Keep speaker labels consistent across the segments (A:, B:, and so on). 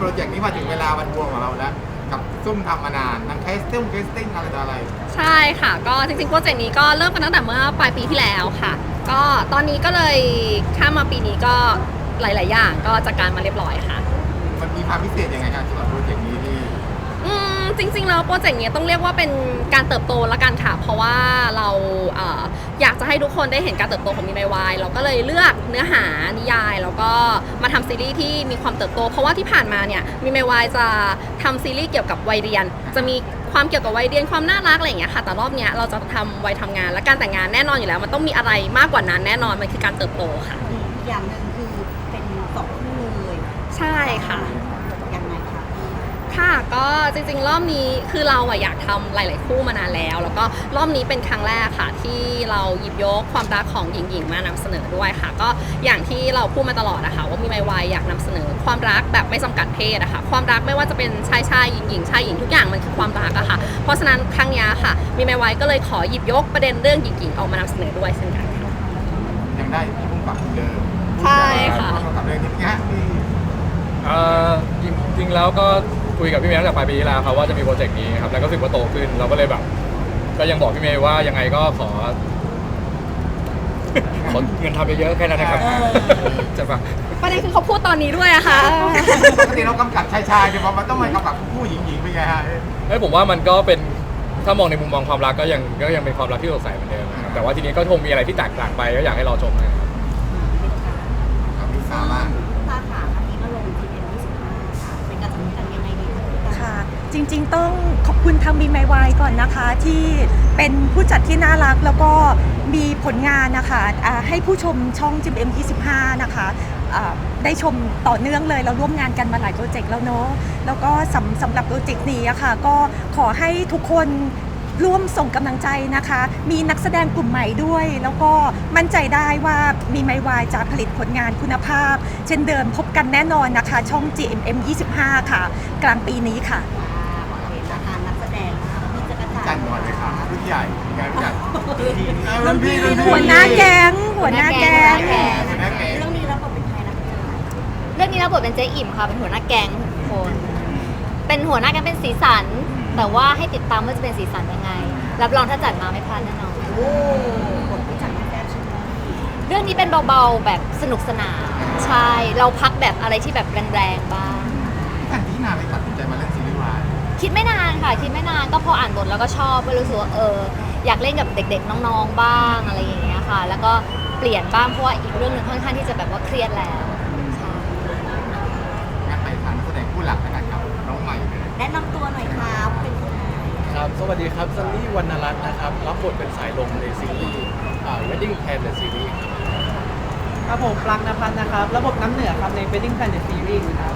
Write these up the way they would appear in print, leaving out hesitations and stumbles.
A: รเจกต์นี้มาถึงเวลาวันบวงของเราแล้วกับซุ่มทำมานานทั้งเคสติ้งอะไรต่ออะไร
B: ใช่ค่ะก็จริงๆโปรเจกต์นี้ก็เริ่มกันตั้งแต่เมื่อปลายปีที่แล้วค่ะ ก็ตอนนี้ก็เลยข้ามมาปีนี้ก็หลายๆอย่างก็จัดการมาเรียบร้อยค่ะ
A: มันมีความพิเศษยังไงครับสำหรับโปรเจกต์นี้ที่
B: จริงๆแล้วโปรเจกต์นี้ต้องเรียกว่าเป็นการเติบโตละกันค่ะเพราะว่าเราอยากจะให้ทุกคนได้เห็นการเติบโตของมีไมวายเราก็เลยเลือกเนื้อหานิยายแล้วก็มาทำซีรีส์ที่มีความเติบโตเพราะว่าที่ผ่านมาเนี่ยมีไมวายจะทำซีรีส์เกี่ยวกับวัยเรียนจะมีความเกี่ยวกับวัยเรียนความน่ารักอะไรอย่างเงี้ยค่ะแต่รอบเนี้ยเราจะทำวัยทำงานและการแต่งงานแน่นอนอยู่แล้วมันต้องมีอะไรมากกว่านั้นแน่นอนมันคือการเติบโตค่ะ
C: อย่างหนึ่งคือเป็นสองคู่เลย
B: ใช่ค่ะ
C: ยังไงคะ
B: ค่ะก็จริงๆรอบนี้คือเราอยากทำหลายๆคู่มานานแล้วแล้วก็รอบนี้เป็นครั้งแรกค่ะที่เราหยิบยกความรักของหญิงๆมานำเสนอด้วยค่ะก็อย่างที่เราพูดมาตลอดนะคะว่ามีไมวายอยากนำเสนอความรักแบบไม่จำกัดเพศอะค่ะความรักไม่ว่าจะเป็นชายหญิงชายหญิงทุกอย่างมันคือความรักอะค่ะเพราะฉะนั้นครั้งนี้ค่ะมีไมวายก็เลยขอหยิบยกประเด็นเรื่องหญิงๆออกมานำเสนอด้วยเช่นกันค่ะ
A: ยังได้ที่พุ่งปรับเดิม
B: ใช่ค่ะ
A: กับเรื่องนี้ฮะที่
D: จริงๆแล้วก็คุยกับพี่เมย์ตั้งแต่ปลายปีที่แล้วครับว่าจะมีโปรเจกต์นี้ครับแล้วก็รู้สึกว่าโตขึ้นเราก็เลยแบบก็ยังบอกพี่เมย์ว่ายังไงก็ขอเงินทำเยอะๆแค่นั้นนะครับจะปะ
B: ประเด็นคือเขาพูดตอนนี้ด้วยอะค่ะ
A: ปกติเรากำกับชายๆเดี๋ยวมันต้องมากำกับผู้หญิงๆเป็นไงฮะ
D: ผมว่ามันก็เป็นถ้ามองในมุมมองความรักก็ยังเป็นความรักที่สดใสเหมือนเดิมนะครับแต่ว่าทีนี้ก็คงมีอะไรที่แตกต่างไปก็อยากให้รอชมนะครับ
A: กับลิซ่าบ้าง
C: ตาขาอันนี้มาลง GM25 ค่ะเป็นการจัดการยังไงดี
E: ค่ะจริงๆต้องขอบคุณทางบีไมวายก่อนนะคะที่เป็นผู้จัดที่น่ารักแล้วก็มีผลงานนะคะให้ผู้ชมช่อง GM25 นะคะได้ชมต่อเนื่องเลยเราร่วมงานกันมาหลายโปรเจกต์แล้วเนาะแล้วก็สำหรับโปรเจกต์นี้อะค่ะก็ขอให้ทุกคนร่วมส่งกำลังใจนะคะมีนักแสดงกลุ่มใหม่ด้วยแล้วก็มั่นใจได้ว่ามีไมวายจะผลิตผลงานคุณภาพเช่นเดิมพบกันแน่นอนนะคะช่อง GMM25 ค่ะกลางปีนี้ค่ะ
C: นักแสดงพี่จักร
A: จันก่อนเลยค่ะรุ่นใหญ่งานใหญ่
E: หัวหน้าแก๊ง
C: เรื่องนี้รับบทเป็นใครนะ
F: เรื่องนี้รับบทเป็นเจ๊อิ่มค่ะเป็นหัวหน้าแก๊งทุกคนเป็นหัวหน้าแก๊งเป็นสีสันแต่ว่าให้ติดตามว่าจะเป็นสีสันยังไงรับรองถ้าจัดมาไม่พลาดแน่นอน
C: บทที่จัดมาแก้ใช่ไหม
F: เรื่องนี้เป็นเบาๆแบบสนุกสนานใช่เราพักแบบอะไรที่แบบแรงๆบ้าง
A: ท่านที่นาไปตัดสินใจมาเล่นซีรีส์วาย
F: คิดไม่นานค่ะคิดไม่นานก็พออ่านบทแล้วก็ชอบก็รู้สึกว่าอยากเล่นกับเด็กๆน้องๆบ้างอะไรอย่างเงี้ยค่ะแล้วก็เปลี่ยนบ้างเพราะว่าอีกเรื่องนึงค่อนข้างที่จะแบบว่าเครียดแล้วใช่
A: งั้นไปทางนักแสดงผู้หลักนะครับน้องใหม่เลย
C: แนะนำตัวหน่อยครับเป็นคน
G: ครับสวัสดีครับซันนี่วรรณรัตน์นะครับรับบทเป็นสายลมในซีรีส์Wedding Plan The Series
H: ครับผมปลั๊กนภัสนะครับระบบน้ำเหนือครับใน Wedding Plan The Series ครับ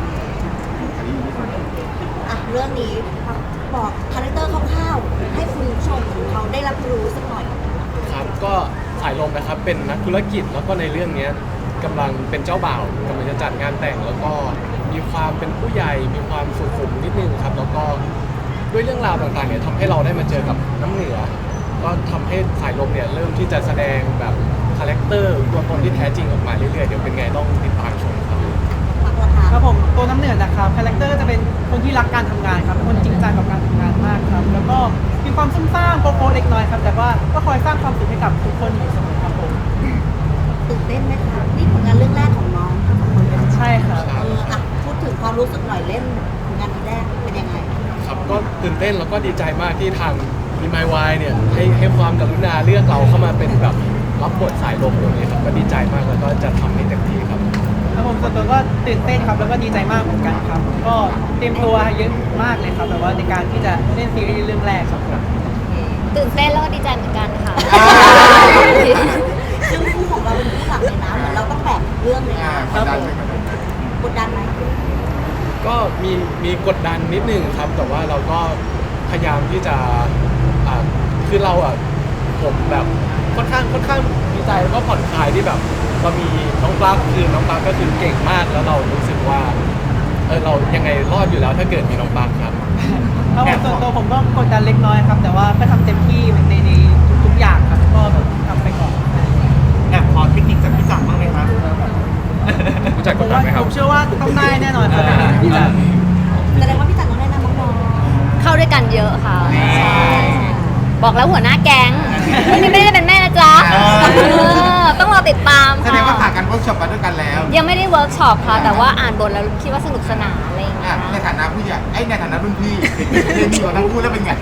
C: เรื่องนี้บอกคาแรคเตอร์คร่าวๆให้คุณผู้ชมเขาได้รับรู้สักหน่อย
G: ครับก็สายลมนะครับเป็นนักธุรกิจแล้วก็ในเรื่องนี้กำลังเป็นเจ้าบ่าวกำลังจะจัดงานแต่งแล้วก็มีความเป็นผู้ใหญ่มีความสุขุมนิดนึงครับแล้วก็ด้วยเรื่องราวต่างๆเนี่ยทำให้เราได้มาเจอกับน้ำเหนือก็ทำให้สายลมเนี่ยเริ่มที่จะแสดงแบบคาแรคเตอร์ตัวตนที่แท้จริงออกมาเรื่อยๆเดี๋ยวเป็นไงต้องติดตามชมครับ
H: ครับผมตัวน้ำเหนือนะครับคาแรคเตอร์จะเป็นคนที่รักการทำงานครับคนจริงจังกับการทำงานมากครับแล้วก็มีความซุ่มซ่ามโป๊ะๆเล็กน้อยครับแต่ว่าก็คอยสร้างความสุขให้กับทุกคนอยู่เสมอครับผม
C: ตื่นเต้นไหมครับนี่ผลงานเรื่องแรกของน้องทั้งสองคนเลย
H: ใช่ครับ
C: พูดถึงความรู้สึกหน่อยเล่นผลงานแรกเป็นยังไง
G: ครับก็ตื่นเต้นแล้วก็ดีใจมากที่ทางมีไมวายเนี่ยให้ความกรุณาเลือกเราเข้ามาเป็นแบบรับบทสายลมตรงนี้ครับก็ดีใจมากแล้วก็จะทำให้เต็มที่ครับ
H: ครับผมส่วนตัวก็ตื่นเต้นครับแล้วก็ดีใจมากเหมือนกันครับก็เตรียมตัวเยอะมากเลยครับแบบว่าในการที่จะเล่นซีรีส์เรื่องแรกครับ
F: ตื่นเต้นแล้วก็ดีใจเหมือนกันค่ะ
C: ซึ่งคู่ของเราเป็นคู่หลักเลยนะเหมือนเราต้องแบกเรื่องเลยนะครับกดดันไหม
G: ก็มีกดดันนิดนึงครับแต่ว่าเราก็พยายามที่จะคือเราผมแบบค่อนข้างดีใจแล้วก็ผ่อนคลายที่แบบเรามีน้องปลั๊กคือน้องปลั๊กก็คือเก่งมากแล้วเรารู้สึกว่าเรายังไงรอดอยู่แล้วถ้าเกิดมีน้องปลั๊กครับ
H: ส่วนตัวผมก็กดดันเล็กน้อยครับแต่ว่าก็ทำเต็มที่ในทุกอย่างครับก็ทำไปก่อน
A: แอบขอเทคนิคจากพี่จักรบ้างไหมครับ
D: รู้จักกดดันไหมครับ
H: ผมเชื่อว่าต้องได้แน่นอนครับพี่จักร
F: กันเยอะค่ะใช่บอกแล้วหัวหน้าแก๊งนี่ไม่ได้เป็นแม่นะจ๊ะต้องรอติดตาม
A: แส
F: ค่ะ
A: ดงว่าผ่านการเวิร์กช็อปมาด้วยกันแล้ว
F: ยังไม่ได้เวิร์กช็อปค่ะ แต่ว่าอ่านบทแล้วคิดว่าสนุกสนานอะไรอย่างเงี้
A: อ่ะ
F: ย
A: ในฐานะผู้ใหญ่ในฐานะรุ่นพี่เรียนดีกว่าทั้งคู่แล้วเป็นไง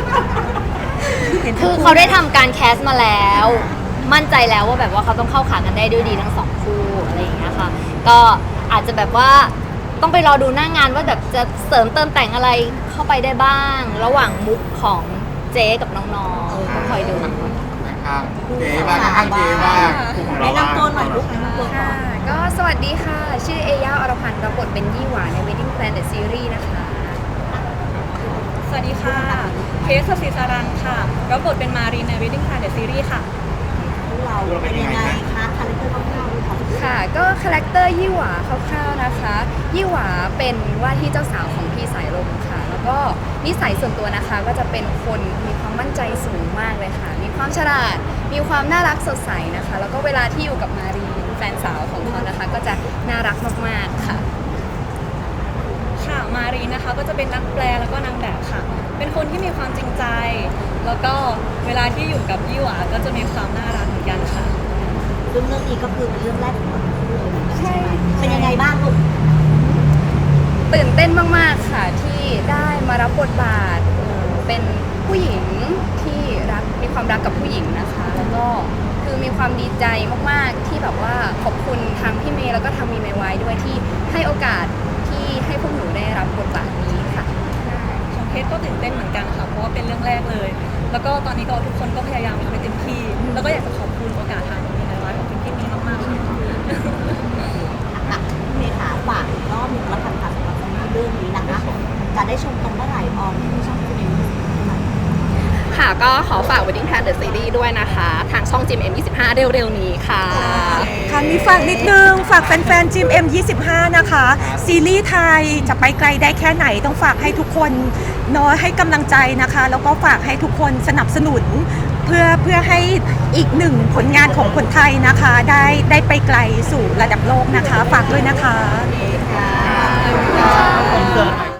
F: คือเขาได้ทำการแคสมาแล้ว มั่นใจแล้วว่าแบบว่าเขาต้องเข้าขากันได้ด้วยดีทั้งสองคู่อะไรอย่างเงี้ยค่ะ ก็อาจจะแบบว่าต้องไปรอดูหน้างานว่าแบบจะเสริมเติมแต่งอะไรเข้าไปได้บ้าง ระหว่างมุกของเจ๊กับน้องๆก็คอยดู
A: นะครับเก๋บ้างข้างเก๋บ้าง
C: แนะนำตัวหน่อยลูกแนะนำตัวก่อน
B: ก็สวัสดีค่ะ ชื่อเอย่าอรพันธ์รับบทเป็นยี่หวาใน Wedding Plan The Series นะคะ
I: สวัสดีค่ะ เคสศิสารันค่ะ รับบทเป็นมารีใน Wedding Plan The Series ค่ะ
C: เราเป็นยังไงคะคาแรคเตอร์คร่าวๆดูค่ะ
B: ค่ะ ก็คาแรคเตอร์ยี่หวาคร่าวๆนะคะ ยี่หวาเป็นว่าที่เจ้าสาวของพี่สายลมค่ะ แล้วก็นิสัยส่วนตัวนะคะ ก็จะเป็นคนมีความมั่นใจสูงมากเลยค่ะ มีความฉลาด มีความน่ารักสดใสนะคะ แล้วก็เวลาที่อยู่กับมารีแฟนสาวของเขานะคะ ก็จะน่ารักมากๆค่ะ
I: ค่ะ มารีนะคะก็จะเป็นนักแปลแล้วก็นางแบบค่ะ เป็นคนที่มีความจริงใจ แล้วก็เวลาที่อยู่กับยี่หวาก็จะมีความน่ารักเหมือนกันค่ะ
C: ซึ่งเรื่องนี้ก็คือเป็นเรื่องแรกของเราเลยใช่ไหมเป็นยังไงบ้างลูก
B: ตื่นเต้นมากๆค่ะที่ได้มารับบทบาทเป็นผู้หญิงที่รักมีความรักกับผู้หญิงนะคะ แล้วก็คือมีความดีใจมากๆที่แบบว่าขอบคุณทางพี่เมย์แล้วก็ทางมีเมย์ไว้ด้วยที่ให้โอกาสที่ให้พวกหนูได้รับบทบาทนี้ค่ะ
I: ของเคสก็ตื่นเต้นเหมือนกันค่ะ เพราะว่าเป็นเรื่องแรกเลย แล้วก็ตอนนี้ก็ทุกคนก็พยายามทำให้เต็มที่ แล้วก็อยากจะขอบคุณโอกาสทางมีในร้ายของคุณพี่มีมากๆค่ะ
C: เมษาฝากอีกรอบหนึ่งแล้วกันค่ะสำหรับเรื่องนี้นะคะ จะได้ชมตรงเมื่อไหร่ออมที่ช่องคุณเอง
B: ค่ะก็ขอฝาก Wedding Plan The Series ด้วยนะคะ ทางช่อง GMM25 เร็วๆนี้ค่ะ
E: ค่ะมีฝากนิดนึง ฝากแฟนๆ GMM 25 นะคะ ซีรีส์ไทยจะไปไกลได้แค่ไหนต้องฝากให้ทุกคนเนาะให้กำลังใจนะคะ แล้วก็ฝากให้ทุกคนสนับสนุน เพื่อให้อีกหนึ่งผลงานของคนไทยนะคะ ได้ไปไกลสู่ระดับโลกนะคะ ฝากด้วยนะคะ
C: ค่ะ